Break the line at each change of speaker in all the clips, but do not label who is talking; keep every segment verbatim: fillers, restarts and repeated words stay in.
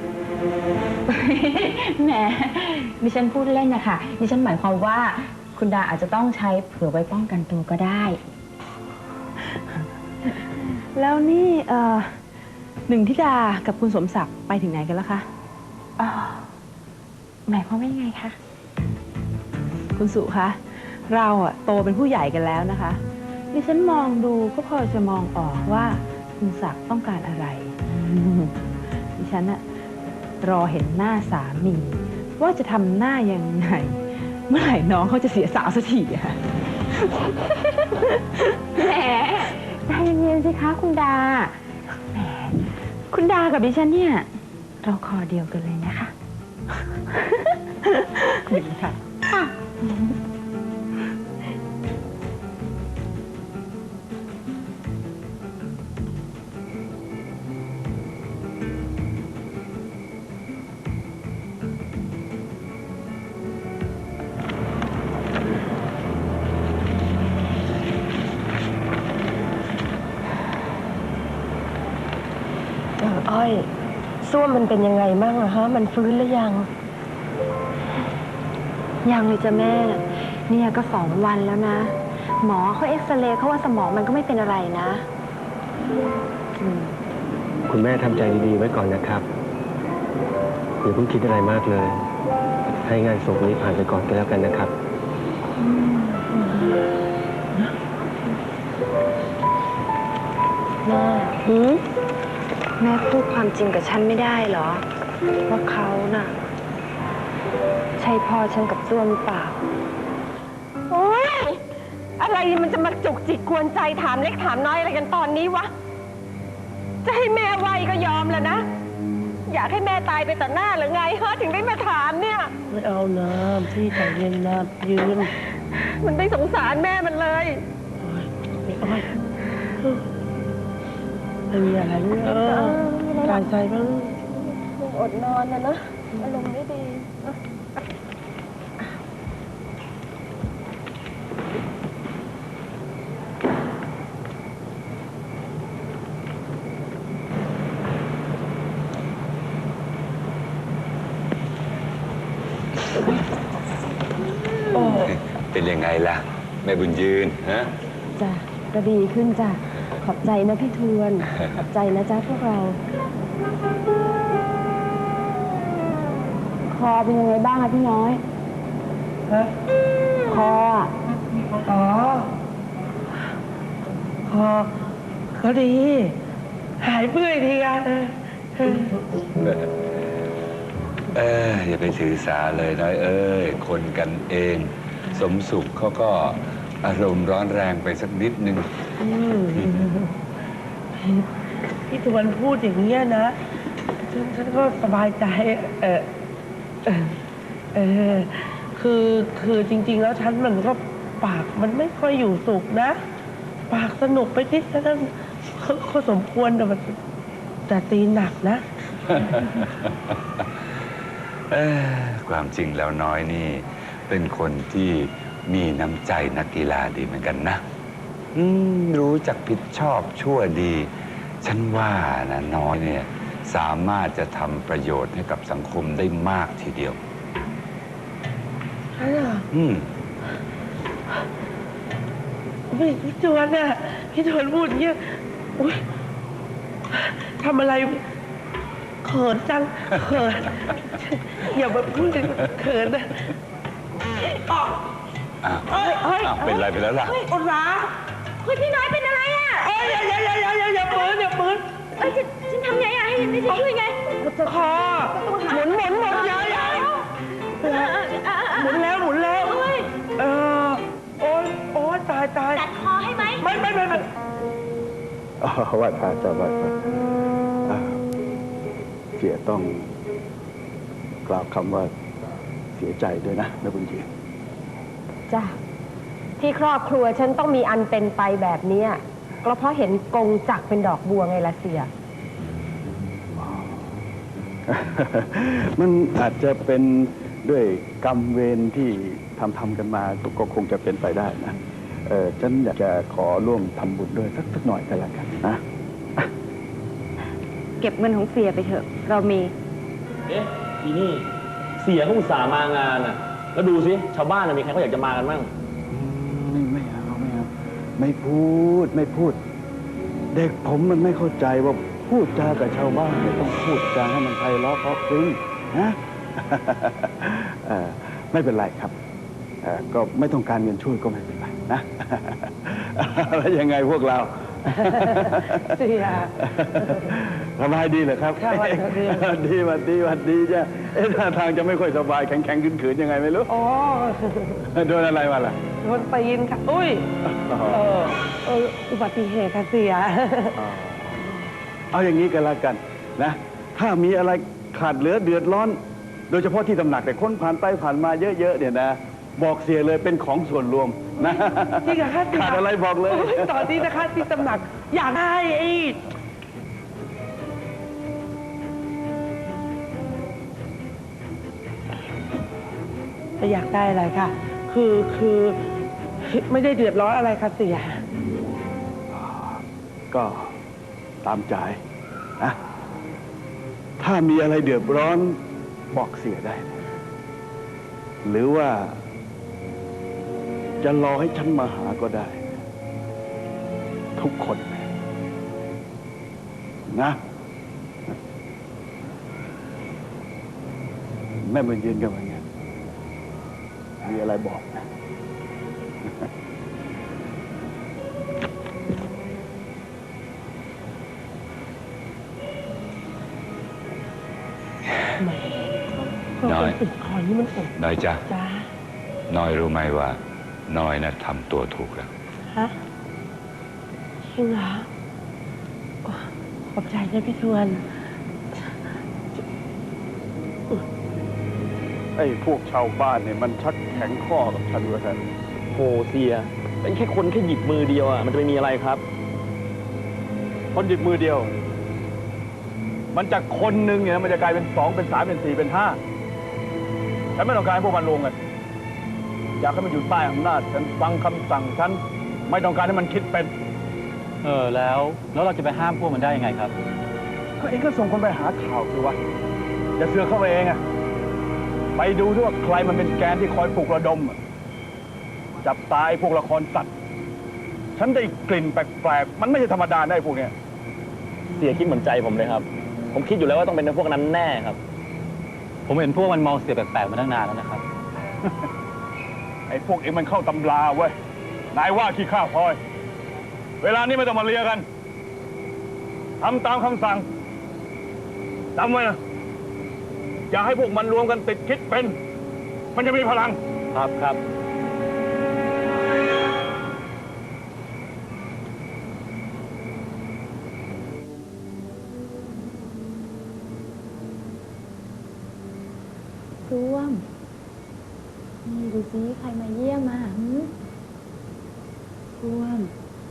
แหมดิฉันพูดเล่นนะคะดิฉันหมายความว่าคุณดาอาจจะต้องใช้เผื่อไว้ป้องกันตัวก็ได้
แล้วนี่เอ่อหนึ่งธิดากับคุณสมศักดิ์ไปถึงไหนกันแล้วคะ
อ๋อหมายความว่ายังไงคะ
คุณสุคะเราอะโตเป็นผู้ใหญ่กันแล้วนะคะดิฉันมองดูก็พอจะมองออกว่าคุณศักดิ์ต้องการอะไรดิฉันอะรอเห็นหน้าสามีว่าจะทำหน้ายังไงเมื่อไหร่น้องเขาจะเสียสาวสักทีอะ
แหมใจเย็นๆสิคะคุณดาแหมคุณดากับดิฉันเนี่ยเราคอเดียวกันเลยนะคะ
ดีค่ะ
ค่ะ
อ้อยส้วมมันเป็นยังไงบ้างอะฮะมันฟื้นหรือยัง
ยังเลยจ้ะแม่เนี่ยก็สองวันแล้วนะหมอเขาเอ็กซเรย์เขาว่าสมองมันก็ไม่เป็นอะไรนะ
คุณแม่ทำใจดีๆไว้ก่อนนะครับอย่าเพิ่งคิดอะไรมากเลยให้งานศพนี้ผ่านไปก่อนก็แล้วกันนะครับ
แม่หืมแม่พูดความจริงกับฉันไม่ได้เหรอว่าเขาน่ะใช่พ่อฉันกับส้วมหรือเปล่า
โอ๊ยอะไรมันจะมาจุกจิกกวนใจถามเล็กถามน้อยอะไรกันตอนนี้วะจะให้แม่ไวก็ยอมแล้วนะอยากให้แม่ตายไปต่อหน้าหรือไงฮะถึงได้มาถามเนี่ย
ไม่เอานะพี่ใจเย็นนะยืน
มันไม่สงสารแม่มันเลย
ไม่อ้อยไม่มีอะไรเลยเออใจใจบ้าง
อดนอนนะนะอารมณ์ไม่ดี
เป็นยังไงล่ะแม่บุญยืนฮะ
จ้ะก็ดีขึ้นจ้ะขอบใจนะพี่ทวนขอบใจนะจ๊ะพวกเราคอเป็นยังไงบ้างอะพี่น้อย
ฮะ
คอ
อ๋อคอก็ดีหายเมื่อยทีกัน
เอออย่าไปถือสาเลยน้อยเอ้ยคนกันเองสมสุขเขาก็อารมณ์ร้อนแรงไปสักนิดนึง
พี่ทวนพูดอย่างนี้นะฉันฉันก็สบายใจเออเออเออคือคือจริงๆแล้วฉันมันก็ปากมันไม่ค่อยอยู่สุขนะปากสนุกไปนิดนั้นก็สมควรแต่มันแต่ตีหนักนะ
เออความจริงแล้วน้อยนี่เป็นคนที่มีน้ำใจนักกีฬาดีเหมือนกันนะอืมรู้จักผิดชอบชั่วดีฉันว่านะน้อยเนี่ยสามารถจะทำประโยชน์ให้กับสังคมได้มากทีเดียว
ใช่เหรอ
อืม
พี่ทวนน่ะพี่ทวนพูดอย่างเงี้ยอุ้ยทำอะไรเขินจังเขินอย่ามาพูดเลยเขินนะ
อ้าวเป็นไรไปแล้วล่ะ
อุตสา
คุณพี่น้อยเป็นอะไรอ่ะ
เอ้ยอย่าอย่าอย่าอย่าอย่าอย่าปืนอย่าปืน
เอ้ยฉันทำไงอ่ะให้ฉันช่วยไง
คอหมุนหมุนหมุนอย่าอย่าหมุนแล้วหมุนแล้วเออโอ๊ยโอ๊ยตายตาย
ตัดคอให้ไหม
ไม่ไม่ไม่ไม่
อ๋อว่าตาจะว่าเสียต้องกล่าวคำว่าเสียใจด้วยนะแม่บุญยืน
จ้ะที่ครอบครัวฉันต้องมีอันเป็นไปแบบนี้ก็เพราะเห็นกงจักเป็นดอกบัวไงล่ะเสีย
มันอาจจะเป็นด้วยกรรมเวรที่ทำทำกันมาก็คงจะเป็นไปได้นะเออฉันอยากจะขอร่วมทำบุญด้วยสักสักหน่อยก็แล้วกันนะ
เก็บเงินของเสียไปเถอะเรามี
เอ๊ะอีนี่เสียเขาอุตส่าห์มางานอ่ะ แล้วดูสิชาวบ้านน่ะมีใครเขาอยากจะมากันบ้าง
ไม่ไม่เอาไม่เอาไม่พูดไม่พูด เด็กผมมันไม่เข้าใจว่าพูดจากับชาวบ้านเนี่ยต้องพูดจาให้มันไพเราะเพราะพริ้งนะ เอ่อไม่เป็นไรครับเอ่อก็ไม่ต้องการเงินช่วยก็ไม่เป็นไรนะ แล้วยังไงพวกเรา
เสีย
สบายดีเหรอครับ
สบายดี
ดีวันดีวันดีจ้ะเอ๊ะท่าทางจะไม่ค่อยสบายแข็งแข็งขืนขืนๆยังไงไม่รู้
อ๋อ
โดนอะไรมาล่ะ
โดนตีนค่ะ อุ้ย เออเอออุบัติเหตุค่ะเสีย
เอาอย่างนี้กันละกันนะ ถ้ามีอะไรขาดเหลือเดือดร้อน โดยเฉพาะที่ตำหนักแต่คนผ่านไปผ่านมาเยอะๆเนี่ยนะ บอกเสียเลยเป็นของส่วนรวมนะ
จริงเหรอคะเสีย
ขาดอะไรบอกเลย
โอ้ตอนนี้นะคะที่ตำหนักอยากได้ไอ้จะอยากได้อะไรค่ะ คือคือไม่ได้เดือดร้อนอะไรค่ะเสีย
ก็ตามใจนะถ้ามีอะไรเดือดร้อนบอกเสียได้ หรือว่า จะรอให้ฉันมาหาก็ได้ ทุกคนนะ แม่มายืนกันอย่างเงี้ยมีอะไรบอกนะ
น้อย
ติดคอนี่มันอด
น้อยจ้ะ
จ้า
น้อยรู้ไหมว่า น้อยน่ะทำตัวถูกแล้ว
ฮะจริงเหรอโอ้ขอบใจนะพี่ทวน
ไอ้พวกชาวบ้านเนี่ยมันชักแข็งข้อกับฉันว่าท่าน
โหเสียเป็นแค่คนแค่หยิบมือเดียวอ่ะมันจะไม่มีอะไรครับ
คนหยิบมือเดียว มันจากคนหนึ่งเนี่ยมันจะกลายเป็นสองเป็นสามเป็นสี่เป็นห้าฉันไม่ต้องการให้พวกมันรวมกันอยากให้มันอยู่ใต้อำนาจฉันฟังคำสั่งฉันไม่ต้องการให้มันคิดเป็น
เออแล้ว แล้วเราจะไปห้ามพวกมันได้ยังไงครับ
ก็เองก็ส่งคนไปหาข่าวสิวะอย่าเสือกเข้าไปเองอะไปดูด้วยว่าใครมันเป็นแกนที่คอยปลุกระดมอะจับตายพวกละครสัตว์ฉันได้กลิ่นแปลกๆมันไม่ใช่ธรรมดาได้พวกเนี้ย
เสียคิดเหมือนใจผมเลยครับ ผมคิดอยู่แล้วว่าต้องเป็นพวกนั้นแน่ครับ ผมเห็นพวกมันมองเสียแปลกๆมาตั้งนานแล้วนะครับ
ไอ้พวกเองมันเข้าตำราเว้ยนายว่าขี้ข้าพลอย เวลานี้ไม่ต้องมาเลียกันทำตามคำสั่งจำไว้นะอย่าให้พวกมันรวมกันติดคิดเป็น มันจะมีพลัง
ครับครับ
ร่วม นี่ดูซิใครมาเยี่ยมมาหืมร่วม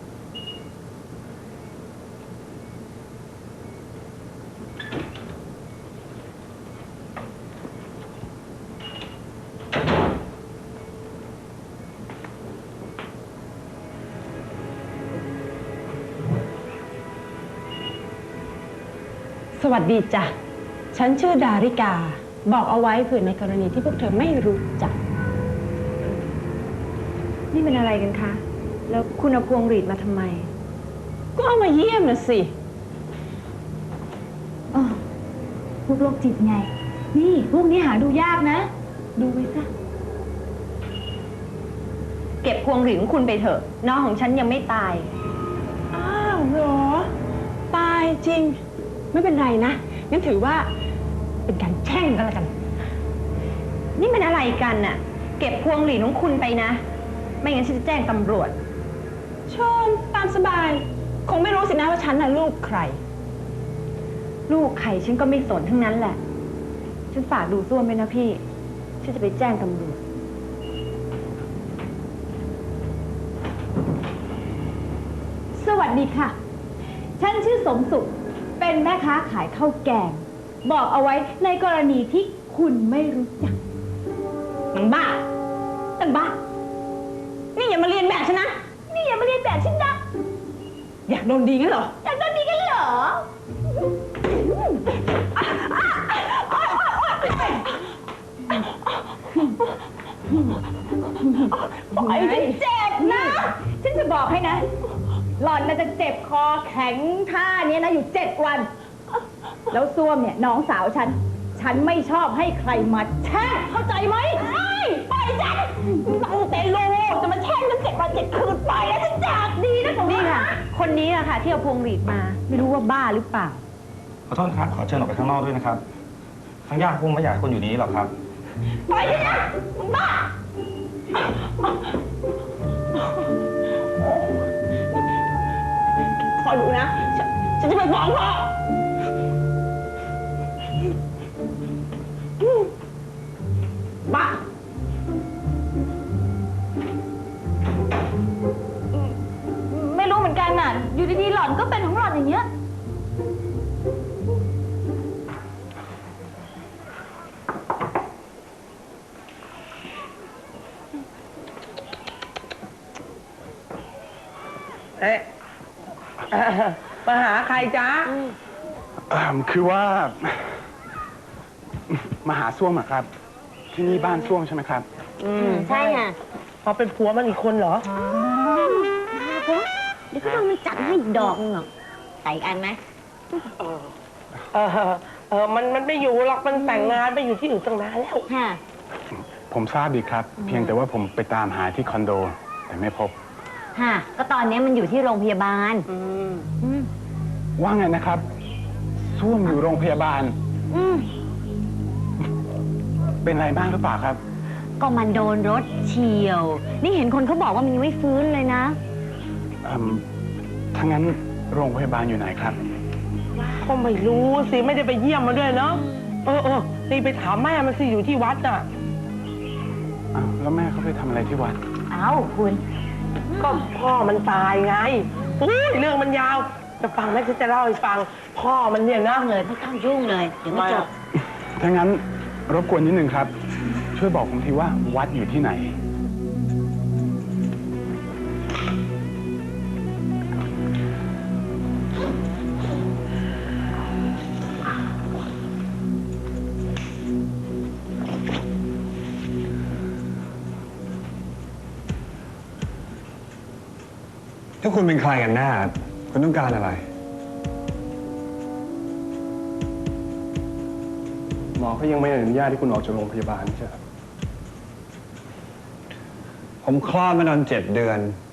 สวัสดีจ้ะ ฉันชื่อดาริกา บอกเอาไว้เผื่อในกรณีที่พวกเธอไม่รู้จัก
นี่เป็นอะไรกันคะ แล้วคุณเอาพวงหรีดมาทำไม
ก็เอามาเยี่ยมนะสิ
เออพวกโรคจิตไง นี่พวกนี้หาดูยากนะ ดูไว้ซะ
เก็บพวงหรีดของคุณไปเถอะ น้องของฉันยังไม่ตาย
อ้าวเหรอ ตายจริง ไม่เป็นไรนะ งั้นถือว่าเป็นการแช่งก็แล้วกัน
นี่มันอะไรกันน่ะ เก็บพวงหรีดของคุณไปนะ ไม่งั้นฉันจะแจ้งตำรวจ
ชมตามสบาย คงไม่รู้สินะว่าฉันน่ะลูกใคร
ลูกใครฉันก็ไม่สนทั้งนั้นแหละ ฉันฝากดูส้วมไปนะพี่ ฉันจะไปแจ้งตำรวจ
สวัสดีค่ะ ฉันชื่อสมสุข เป็นแม่ค้าขายข้าวแกง บอกเอาไว้ในกรณีที่คุณไม่รู้จัก
หนังบ้าหนังบ้า นี่อย่ามาเรียนแบบฉันนะ
นี่อย่ามาเรียนแบบฉันนะ
อยากโดนดีงั้นเหรอ
อยากโดนดีกันเหรอปล่อยฉันเจ็บนะ ฉันจะบอกให้นะ หล่อนน่าจะเจ็บคอแข็งท่าเนี้ยนะอยู่เจ็ดวัน แล้วส้วมเนี่ยน้องสาวฉัน ฉันไม่ชอบให้ใครมาแช่งเข้าใจไหมปล่อยฉันน้องเตโลจะมาแช่งฉันเจ็ดวันเจ็ดคืนไปแล้วฉันจากดีนะของ
นี่ค่ะ คนนี้อะค่ะ ที่เอาพวงหรีดมา ไม่รู้ว่าบ้าหรือเปล่า
ขอโทษครับ ขอเชิญออกไปข้างนอกด้วยนะครับทางญาติคงไม่อยากให้คนอยู่นี้หรอกครับ
ปล่อยฉันนะมึงบ้า
คอยดูนะ ฉันฉันจะไปฟ้องพ่อ บ้า
ไม่รู้เหมือนกันน่ะ อยู่ดีๆหล่อนก็เป็นของหล่อนอย่างเงี้ย
เอ๊ะเอ่อมาหาใครจ๊ะ
เอิ่มคือว่า มาหาส้วมอะครับ ที่นี่บ้านส้วมใช่ไหมครับ
อืม
ใช่ค่ะ
เขาเป็นผัวมันอีกคนเหรอ
เดี๋ยวก็ต้องมันจัดให้อีกดอกนึงหรอกใส่อันไหม
เออ เออ มัน มันไม่อยู่หรอก มันแต่งงานไปอยู่ที่อื่นตั้งนานแล้ว
ค่ะ
ผมทราบดีครับ เพียงแต่ว่าผมไปตามหาที่คอนโด แต่ไม่พบ
ค่ะ ก็ตอนนี้มันอยู่ที่โรงพยาบาล
อืม
อืม
ว่าไงนะครับส้วมอยู่โรงพยาบาล
อืม
เป็นอะไรบ้างหรือเปล่าครับ
ก็มันโดนรถเฉียว นี่เห็นคนเขาบอกว่ามันยังไม่ฟื้นเลยนะ
เอิ่มถ้างั้นโรงพยาบาลอยู่ไหนครับ
ก็ไม่รู้สิ ไม่ได้ไปเยี่ยมมาด้วยเนาะ เออเออนี่ไปถามแม่มันสิ อยู่ที่วัดน่ะ
อ้าวแล้วแม่เขาไปทำอะไรที่วัด
เอ้าคุณ
ก็พ่อมันตายไงอุ้ยเรื่องมันยาว จะฟังไหมฉันจะเล่าให้ฟัง พ่อมันเนี่ยนะ
เลยไม่ต้องยุ่งเลย เดี๋ยวไม่จบ
ถ้างั้นรบกวนนิดนึงครับ ช่วยบอกผมทีว่าวัดอยู่ที่ไหน
ถ้าคุณเป็นใครกันแน่คุณต้องการอะไร
หมอเขายังไม่อนุญาตให้คุณออกจากโรงพยาบาลใช่ไหมครับ
ผมคลอดมานานเจ็ดเดือน